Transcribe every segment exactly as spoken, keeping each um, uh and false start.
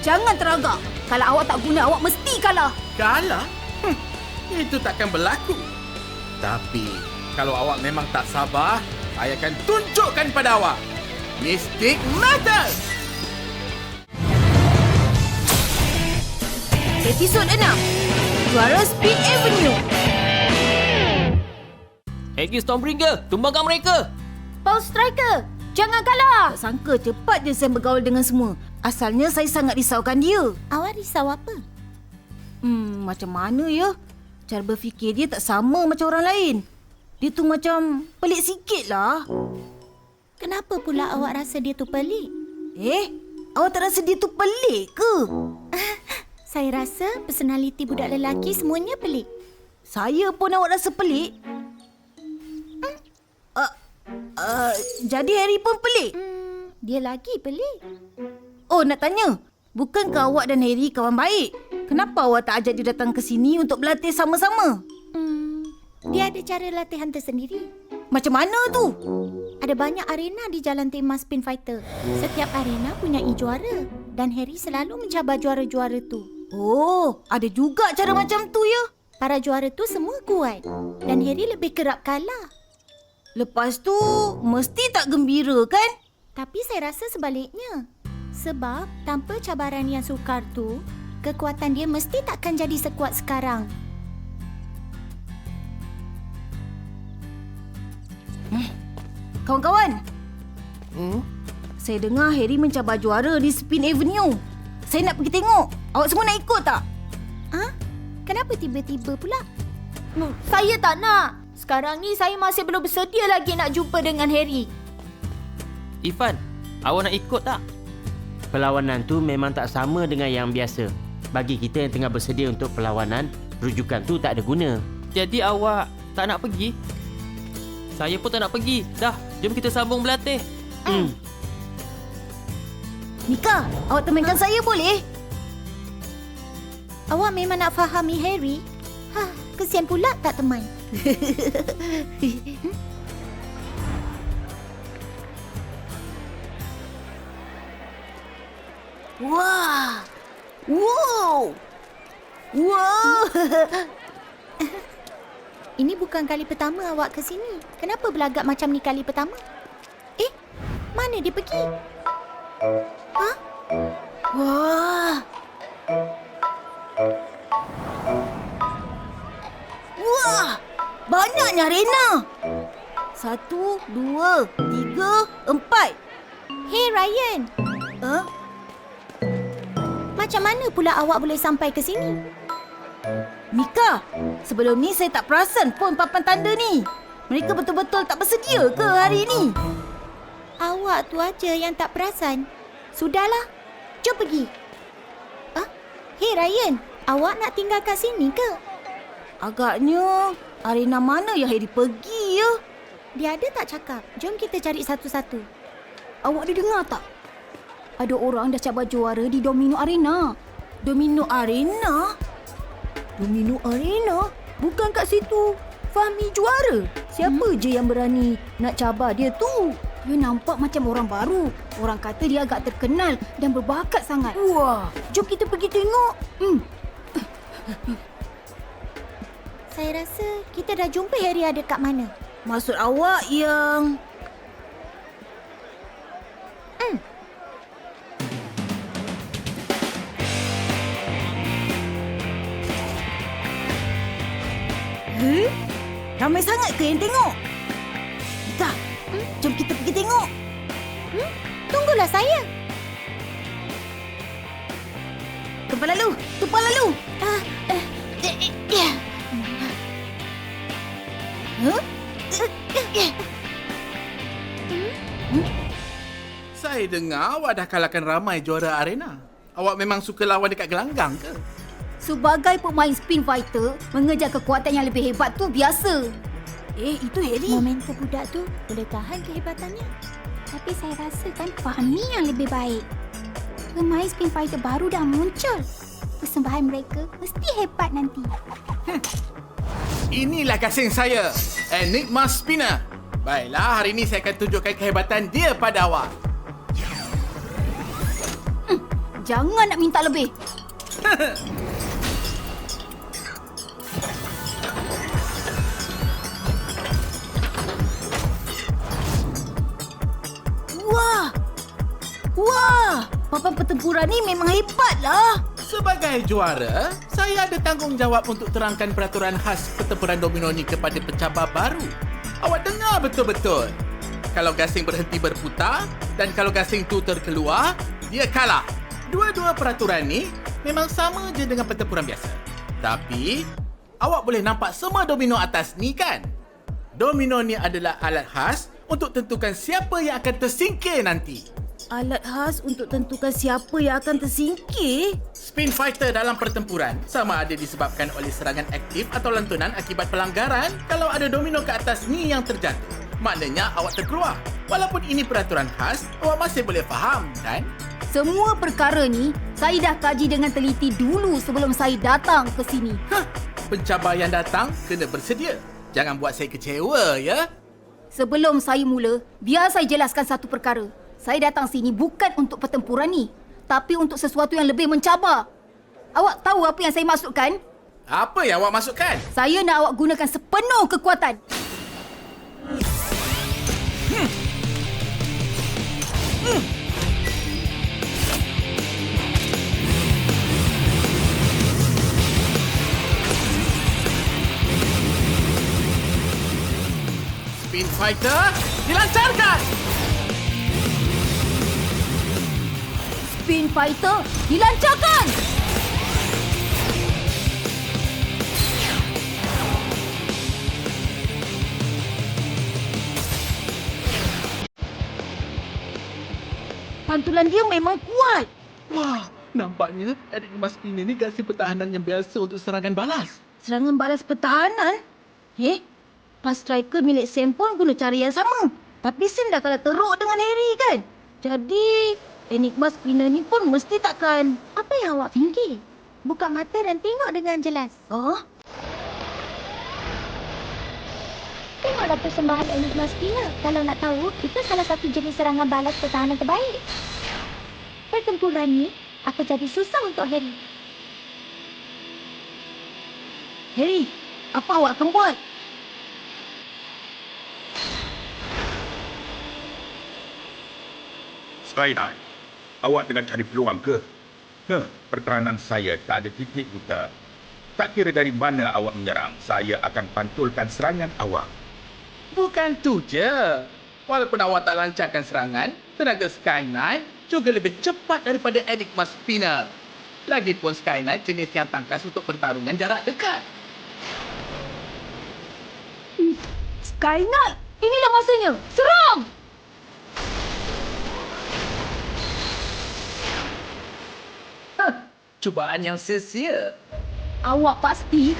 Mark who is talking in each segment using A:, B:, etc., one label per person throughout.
A: Jangan teragak. Kalau awak tak guna, awak mesti kalah.
B: Kalah? Hm, itu takkan berlaku. Tapi, kalau awak memang tak sabar, saya akan tunjukkan pada awak. Mystic Matters!
A: Episod enam. Juara Speed Avenue.
C: Aggie Stormbringer, tumbangkan mereka!
A: Pulse Striker, jangan kalah. Tak sangka cepat je saya bergaul dengan semua. Asalnya saya sangat risaukan dia.
D: Awak risau apa?
A: Hmm, macam mana ya? Cara berfikir dia tak sama macam orang lain. Dia tu macam pelik sikit lah.
D: Kenapa pula awak rasa dia tu pelik?
A: Eh, awak tak rasa dia tu pelik ke?
D: Saya rasa personaliti budak lelaki semuanya pelik.
A: Saya pun awak rasa pelik? Hmm. Uh, uh, jadi Harry pun pelik?
D: Hmm, dia lagi pelik.
A: Oh, nak tanya. Bukankah awak dan Harry kawan baik? Kenapa awak tak ajak dia datang ke sini untuk berlatih sama-sama?
D: Hmm, dia ada cara latihan tersendiri.
A: Macam mana tu?
D: Ada banyak arena di jalan tema Spin Fighter. Setiap arena punya juara. Dan Harry selalu mencabar juara-juara tu.
A: Oh, ada juga cara macam tu ya?
D: Para juara tu semua kuat. Dan Harry lebih kerap kalah.
A: Lepas tu, mesti tak gembira kan?
D: Tapi saya rasa sebaliknya. Sebab tanpa cabaran yang sukar tu, kekuatan dia mesti takkan jadi sekuat sekarang.
A: Kawan-kawan,
C: Hmm?
A: saya dengar Harry mencabar juara di Spin Avenue. Saya nak pergi tengok. Awak semua nak ikut tak?
D: Ah, kenapa tiba-tiba pula?
E: Hmm, saya tak nak. Sekarang ni saya masih belum bersedia lagi nak jumpa dengan Harry.
C: Ifan, awak nak ikut tak?
F: Perlawanan tu memang tak sama dengan yang biasa. Bagi kita yang tengah bersedia untuk perlawanan, rujukan tu tak ada guna.
C: Jadi awak tak nak pergi? Saya pun tak nak pergi. Dah, jom kita sambung berlatih.
F: Hmm.
A: Mika, awak temankan saya boleh?
D: Awak memang nak fahami Harry? Hah, kesian pula tak teman.
A: Wah! Wow! Wow!
D: Ini bukan kali pertama awak ke sini. Kenapa berlagak macam ni kali pertama? Eh, mana dia pergi? Hah?
A: Wah! Wah! Banyaknya arena! Satu, dua, tiga, empat.
D: Hey Ryan,
A: Huh?
D: macam mana pula awak boleh sampai ke sini?
A: Mika, sebelum ni saya tak perasan pun papan tanda ni. Mereka betul-betul tak bersedia ke hari ni?
D: Awak tu aja yang tak perasan. Sudahlah, jom pergi. Ah, hey Ryan, awak nak tinggal kat sini ke?
A: Agaknya arena mana yang Harry pergi ya?
D: Dia ada tak cakap? Jom kita cari satu-satu.
A: Awak ada dengar tak? Ada orang dah cabar juara di Domino Arena. Domino Arena? Domino Arena? Bukan kat situ Fahmi juara. Siapa hmm? je yang berani nak cabar dia tu? Dia nampak macam orang baru. Orang kata dia agak terkenal dan berbakat sangat. Wah, jom kita pergi tengok. Hmm.
D: Saya rasa kita dah jumpa Harry ada kat mana.
A: Maksud awak yang...
D: Hmm.
A: Huh? Ramai sangat ke yang tengok? Mika, hmm? jom kita pergi tengok.
D: Hmm? Tunggulah saya.
A: Tumpah lalu, tumpah lalu.
D: Ah, eh, eh, eh, eh.
A: Huh?
B: Saya dengar awak dah kalahkan ramai juara arena. Awak memang suka lawan dekat gelanggang ke?
A: Sebagai pemain Spin Fighter, mengejar kekuatan yang lebih hebat tu biasa. Eh, itu Harry.
D: Momentum budak tu boleh tahan kehebatannya. Tapi saya rasakan Fahmi yang lebih baik. Pemain Spin Fighter baru dah muncul. Persembahan mereka mesti hebat nanti.
B: Inilah gasing saya, Enigma Spinner. Baiklah, hari ini saya akan tunjukkan kehebatan dia pada awak.
A: Jangan nak minta lebih. Wah! Wah! Papan pertempuran ni memang hebatlah.
B: Sebagai juara, saya ada tanggungjawab untuk terangkan peraturan khas pertempuran domino ni kepada pencabar baru. Awak dengar betul-betul. Kalau gasing berhenti berputar dan kalau gasing tu terkeluar, dia kalah. Dua-dua peraturan ni memang sama je dengan pertempuran biasa. Tapi, awak boleh nampak semua domino atas ni kan? Domino ni adalah alat khas untuk tentukan siapa yang akan tersingkir nanti.
A: Alat khas untuk tentukan siapa yang akan tersingkir?
B: Spin fighter dalam pertempuran sama ada disebabkan oleh serangan aktif atau lantunan akibat pelanggaran. Kalau ada domino ke atas ni yang terjatuh, maknanya awak terkeluar. Walaupun ini peraturan khas, awak masih boleh faham, kan?
A: Semua perkara ni saya dah kaji dengan teliti dulu sebelum saya datang ke sini.
B: Hah, pencabar yang datang kena bersedia. Jangan buat saya kecewa, ya?
A: Sebelum saya mula, biar saya jelaskan satu perkara. Saya datang sini bukan untuk pertempuran ni, tapi untuk sesuatu yang lebih mencabar. Awak tahu apa yang saya maksudkan?
B: Apa yang awak maksudkan?
A: Saya nak awak gunakan sepenuh kekuatan.
B: Hmm. Hmm. Spin fighter dilancarkan.
A: Spin fighter dilancarkan. Pantulan dia memang kuat.
B: Wah, nampaknya Enigma Spinner ni gasing pertahanan yang biasa untuk serangan balas.
A: Serangan balas pertahanan? Eh? Pas striker milik Sam pun guna cara yang sama. Tapi Sam dah kalah teruk dengan Harry kan? Jadi, Enigma Spinner ni pun mesti takkan...
D: Apa yang awak fikir? Buka mata dan tengok dengan jelas.
A: Oh?
D: Tengoklah persembahan Enigma Spinner. Kalau nak tahu, itu salah satu jenis serangan balas pertahanan terbaik. Pertempuran ni akan jadi susah untuk Harry.
A: Harry, apa awak akan buat?
G: Skydive, awak tengah cari peluang ke? Ke, pertahanan saya tak ada titik buta. Tak kira dari mana awak menyerang, saya akan pantulkan serangan awak.
B: Bukan tu je. Walaupun awak tak lancarkan serangan, tenaga Sky Knight juga lebih cepat daripada Enigma Spinner. Lagipun Sky Knight jenis yang tangkas untuk pertarungan jarak dekat.
A: Sky Knight, inilah masanya. Serang!
B: Huh, cubaan yang sia-sia.
A: Awak pasti...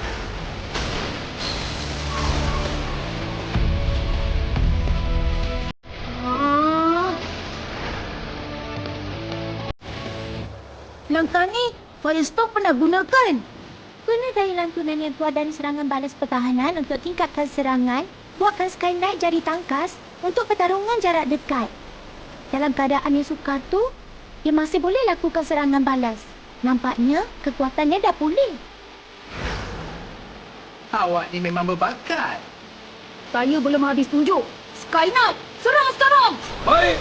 A: Langkah ni, Firestorm pernah gunakan.
D: Guna daya lantunan yang kuat dan serangan balas pertahanan untuk tingkatkan serangan, buatkan Sky Knight jadi tangkas untuk pertarungan jarak dekat. Dalam keadaan yang sukar tu, dia masih boleh lakukan serangan balas. Nampaknya, kekuatannya dah pulih.
B: Awak ni memang berbakat.
A: Saya belum habis tunjuk. Sky Knight, serang sekarang!
G: Baik!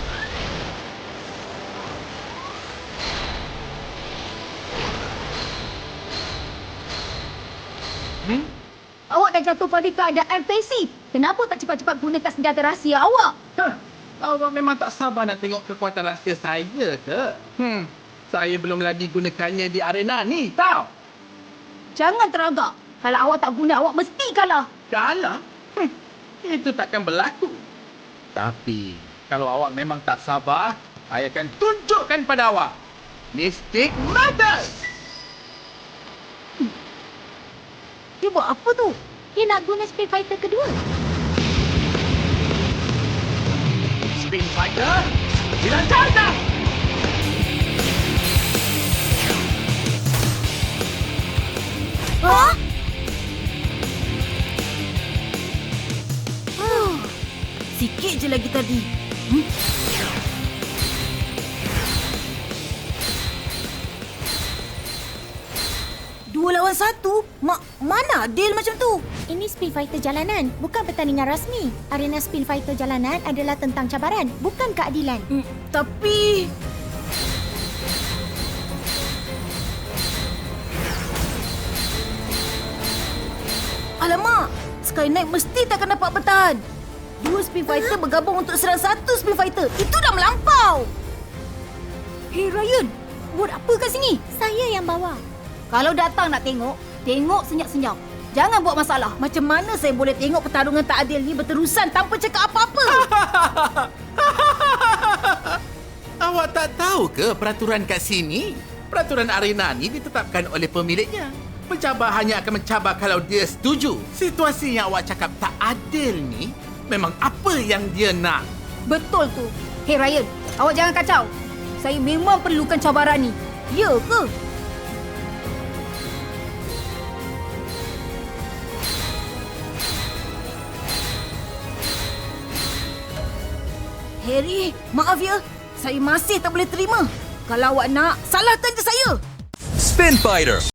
B: Hmm?
A: Awak dah jatuh pada keadaan pasif. Kenapa tak cepat-cepat gunakan senjata rahsia awak?
B: Huh, awak memang tak sabar nak tengok kekuatan rahsia saya ke? Hmm, saya belum lagi gunakannya di arena ni, tahu?
A: Jangan teragak. Kalau awak tak guna, awak mesti kalah.
B: Kalah? Hmm, itu takkan berlaku. Tapi, kalau awak memang tak sabar, saya akan tunjukkan pada awak. Mystic Matters!
A: Dia buat apa tu?
D: Dia nak guna Spin Fighter kedua.
B: Spin Fighter, dilancarkan!
A: Hah? Huh. Sikit je lagi tadi. Hmm? serang satu? Ma mana deal macam tu?
D: Ini Speed Fighter jalanan, bukan pertandingan rasmi. Arena Speed Fighter jalanan adalah tentang cabaran, bukan keadilan.
A: Hmm, tapi... Alamak, Sky Knight mesti takkan dapat bertahan. Dua Speed Fighter bergabung untuk serang satu Speed Fighter. Itu dah melampau. Hey Ryan, buat apa kat sini?
D: Saya yang bawa.
A: Kalau datang nak tengok, tengok senyap-senyap. Jangan buat masalah. Macam mana saya boleh tengok pertarungan tak adil ni berterusan tanpa cakap apa-apa?
B: Awak tak tahu ke peraturan kat sini? Peraturan arena ni ditetapkan oleh pemiliknya. Pencabar hanya akan mencabar kalau dia setuju. Situasi yang awak cakap tak adil ni memang apa yang dia nak.
A: Betul tu. Hey Ryan, awak jangan kacau. Saya memang perlukan cabaran ni. Ya ke? Harry, maaf ya. Saya masih tak boleh terima. Kalau awak nak, salahkan je saya.
H: Spin Fighter